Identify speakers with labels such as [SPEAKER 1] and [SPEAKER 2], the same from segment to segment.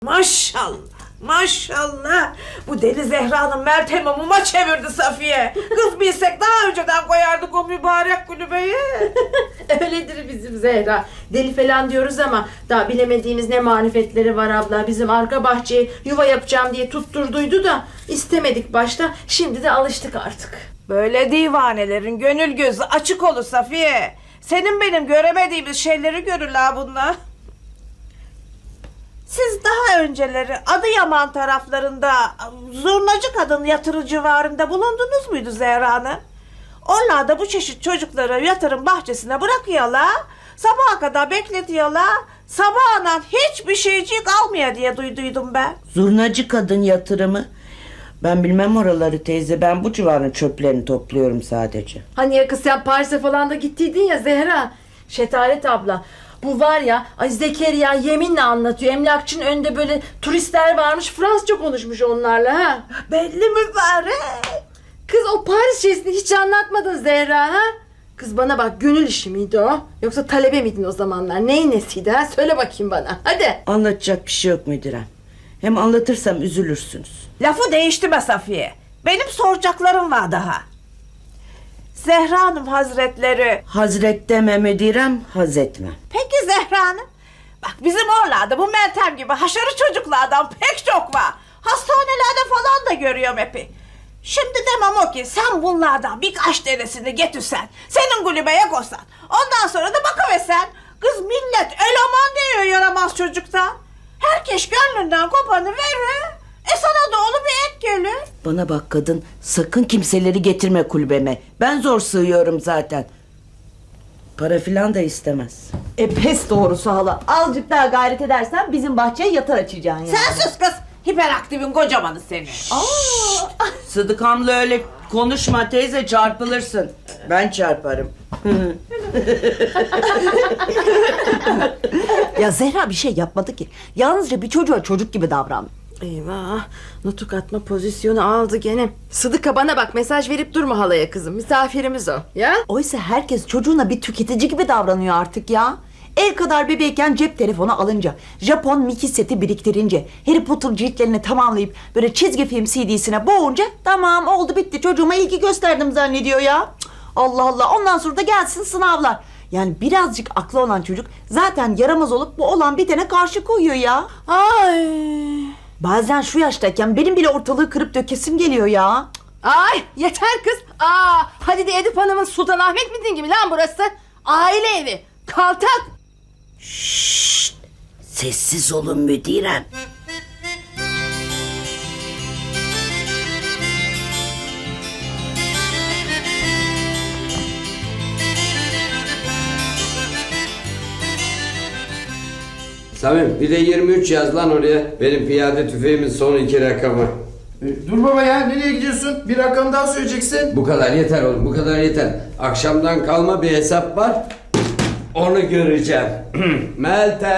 [SPEAKER 1] Maşallah, maşallah. Bu deli Zehra'nın Meltem'i muma çevirdi Safiye. Kız bilsek daha önceden koyardık o mübarek kulübeyi.
[SPEAKER 2] Öyledir bizim Zehra. Deli falan diyoruz ama daha bilemediğimiz ne marifetleri var abla. Bizim arka bahçeye yuva yapacağım diye tutturduydu da istemedik başta. Şimdi de alıştık artık.
[SPEAKER 1] Böyle divanelerin gönül gözü açık olur Safiye. Senin benim göremediğimiz şeyleri görürler bunlar. Siz daha önceleri Adıyaman taraflarında Zurnacı Kadın Yatırı civarında bulundunuz muydu Zehra Hanım? Onlar da bu çeşit çocukları yatırım bahçesine bırakıyorlar. Sabaha kadar bekletiyorlar. Sabahından hiçbir şeycik almıyor diye duyduydum ben.
[SPEAKER 3] Zurnacı Kadın Yatırımı. Ben bilmem oraları teyze. Ben bu civarın çöplerini topluyorum sadece.
[SPEAKER 2] Hani ya kız sen Paris'e falan da gittiydin ya Zehra. Şetaret abla. Bu var ya ay Zekeriya yeminle anlatıyor. Emlakçının önünde böyle turistler varmış. Fransızca konuşmuş onlarla ha.
[SPEAKER 1] Belli mübarek.
[SPEAKER 2] Kız o Paris şeysini hiç anlatmadın Zehra ha. Kız bana bak gönül işi miydi o? Yoksa talebe miydin o zamanlar? Neyin nesiydi ha? Söyle bakayım bana. Hadi.
[SPEAKER 3] Anlatacak bir şey yok müdürem. Hem anlatırsam üzülürsünüz.
[SPEAKER 1] Lafı değiştirme Safiye. Benim soracaklarım var daha. Zehra Hanım Hazretleri.
[SPEAKER 3] Hazret deme müdürem, haz etme.
[SPEAKER 1] Peki Zehra Hanım. Bak bizim oralarda bu Meltem gibi haşarı çocuklardan pek çok var. Hastanelerde falan da görüyorum hepi. Şimdi demem o ki sen bunlardan birkaç tanesini getirsen, senin kulübeye koysan. Ondan sonra da bakıversen. Kız millet eleman diyor yaramaz çocuktan. Herkes gönlünden kopanı verir. Sana da onu bir ek gelir.
[SPEAKER 3] Bana bak kadın, sakın kimseleri getirme kulübeme. Ben zor sığıyorum zaten. Para filan da istemez.
[SPEAKER 4] Pes doğrusu hala. Azıcık daha gayret edersen bizim bahçeye yatar açacaksın yani.
[SPEAKER 1] Sen sus kız. Hiperaktifin kocamanı seni.
[SPEAKER 3] Sıdıkamla öyle konuşma teyze, çarpılırsın. Ben çarparım.
[SPEAKER 4] Ya Zehra bir şey yapmadı ki. Yalnızca bir çocuğa çocuk gibi davran.
[SPEAKER 2] Eyvah. Nutuk atma pozisyonu aldı gene. Sıdıka bana bak mesaj verip durma halaya kızım. Misafirimiz o. Ya?
[SPEAKER 4] Oysa herkes çocuğuna bir tüketici gibi davranıyor artık ya. El kadar bebeğken cep telefonu alınca, Japon Mickey seti biriktirince, Harry Potter ciltlerini tamamlayıp böyle çizgi film CD'sine boğunca tamam oldu bitti çocuğuma ilgi gösterdim zannediyor ya. Cık, Allah Allah, ondan sonra da gelsin sınavlar. Yani birazcık aklı olan çocuk zaten yaramaz olup bu olan bitene karşı koyuyor ya.
[SPEAKER 2] Ay.
[SPEAKER 4] Bazen şu yaştayken benim bile ortalığı kırıp dökesim geliyor ya.
[SPEAKER 2] Ay yeter kız. Hadi de Edip Hanım'ın Sultanahmet mitin gibi lan burası. Aile evi. Kaltak.
[SPEAKER 3] Şşşt, sessiz olun müdürem.
[SPEAKER 5] Samim bir de 23 yaz lan oraya. Benim piyade tüfeğimin son 2 rakamı.
[SPEAKER 6] Dur baba ya, nereye gidiyorsun? Bir rakam daha söyleyeceksin.
[SPEAKER 5] Bu kadar yeter oğlum, bu kadar yeter. Akşamdan kalma bir hesap var. Onu göreceğim. Meltem.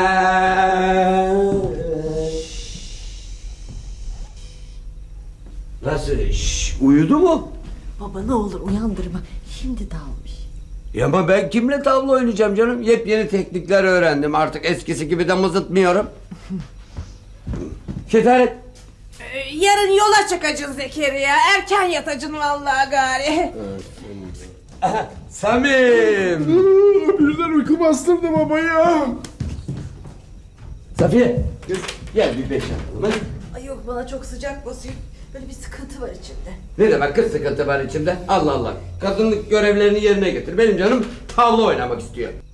[SPEAKER 5] Nasıl? Uyudu mu?
[SPEAKER 4] Baba ne olur uyandırma. Şimdi dalmış.
[SPEAKER 5] Ya ama ben kimle tavla oynayacağım canım? Yepyeni teknikler öğrendim. Artık eskisi gibi de mızıtmıyorum. Şetaret.
[SPEAKER 1] Yarın yola çıkacaksın Zekeriya. Erken yatacaksın vallahi gari.
[SPEAKER 5] Samim.
[SPEAKER 6] Birden uyku bastırdı baba ya.
[SPEAKER 5] Safiye. Kız, gel bir beş yapalım hadi.
[SPEAKER 2] Ay yok bana çok sıcak basıyor. Böyle bir sıkıntı var içimde.
[SPEAKER 5] Ne demek kız sıkıntı var içimde? Allah Allah. Kadınlık görevlerini yerine getir. Benim canım tavla oynamak istiyor.